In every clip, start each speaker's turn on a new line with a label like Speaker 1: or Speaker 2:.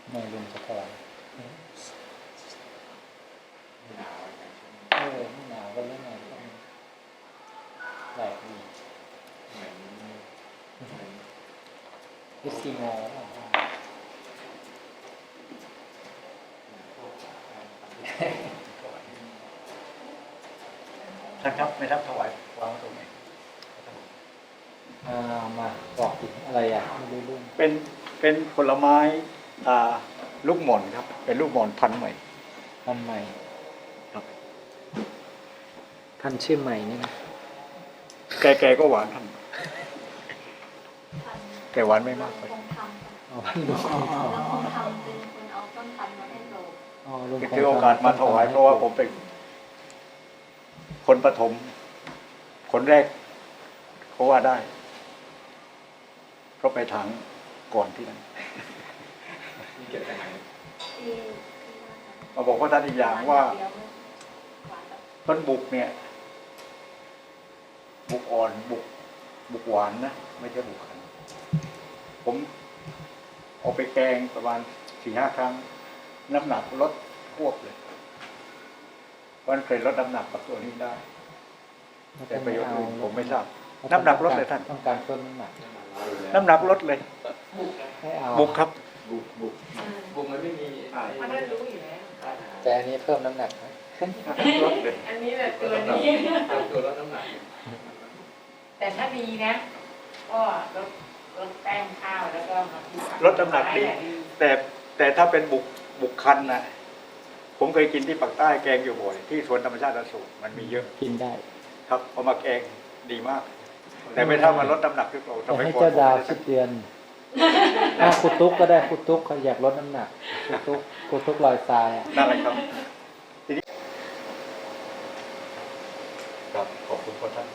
Speaker 1: ไม่ลุงจะถอยไม่หนาวก็เรื่องอะไรแปลกดีเหมือนเอสซีโม
Speaker 2: ท่านครับไม่รับถวายวางตรงไหน
Speaker 1: มาบอกถึงอะไรไม่รู้เรื่อง
Speaker 2: เป็นผลไม้ลูกหม่อนครับเป็นลูกหม่อนพันธุ์ใหม่ครับ
Speaker 1: ท่านชื่อใหม่นี่นะ
Speaker 2: แกก็หวานท่านแกหวานไม่มากไป
Speaker 1: ลุง
Speaker 3: คงทำเป็นคนเอาต้นพันธุ์มาให้โล
Speaker 2: ถือโอกาสมาถวายเพราะว่าผมเป็นคนปฐมคนแรกเขาว่าได้เพราะไปถางก่อนที่นั้นมาบอกว่าท่านอีกอย่างว่าต้นบุกเนี่ยบุกอ่อนบุกหวานนะไม่ใช่บุกขันผมเอาไปแกงประมาณ 4-5 ครั้งน้ำหนักลดควบเลยวันเคยลดน้ำหนักกับตัวนี้ได้แต่ประโยชน์อื่นผมไม่ทราบน้ำหนักลดเลยท่าน
Speaker 1: ต้องการเพิ่มน้ำหนัก
Speaker 2: ลดเลย
Speaker 1: ให้เอา
Speaker 2: บุกครับ
Speaker 4: บุกมันไม่มี
Speaker 3: มันได้รู้อยู่แล้ว
Speaker 1: แต่อันนี้เพิ่มน้ำหนักนะ
Speaker 2: ลดเลย
Speaker 3: อันนี้แหละตัวนี้
Speaker 4: ตัวลดน้ำหนัก
Speaker 3: แต่ถ้าดีนะก็ลดแป้งข้าวแล้วก็มา
Speaker 2: ลดน้ำหนักดีแต่ถ้าเป็นบุกคันนะผมเคยกินที่ปากใต้แกงอยู่บ่อยที่สวนธรรมชาติอโศกมันมีเยอะ
Speaker 1: กินได้
Speaker 2: ครับเอามาแกงดีมากแต่ไม่เท่ามาลดน้ำหนักที่เราทำ
Speaker 1: ให้เจ้าดาวคิดเดือนคุณตุ๊กก็ได้คุณตุ๊กเขาอยากลดน้ำหนักคุณตุ๊กลอยทราย
Speaker 2: นั่นแหละครับทีนี้ครับขอบคุณพ่อท่าน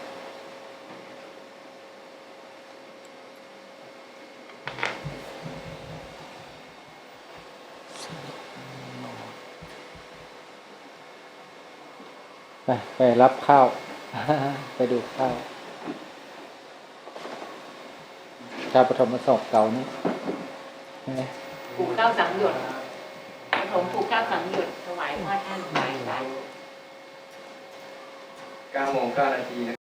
Speaker 1: ไปรับข้าวไปดูข้าวชาวปฐมศพเก่านี่ใช่ไหม
Speaker 3: ปลูกข้าวสังหยดปฐมปลูกข้าวสังหยดถวายพระท่านถวาย
Speaker 4: 9:09 น.นะ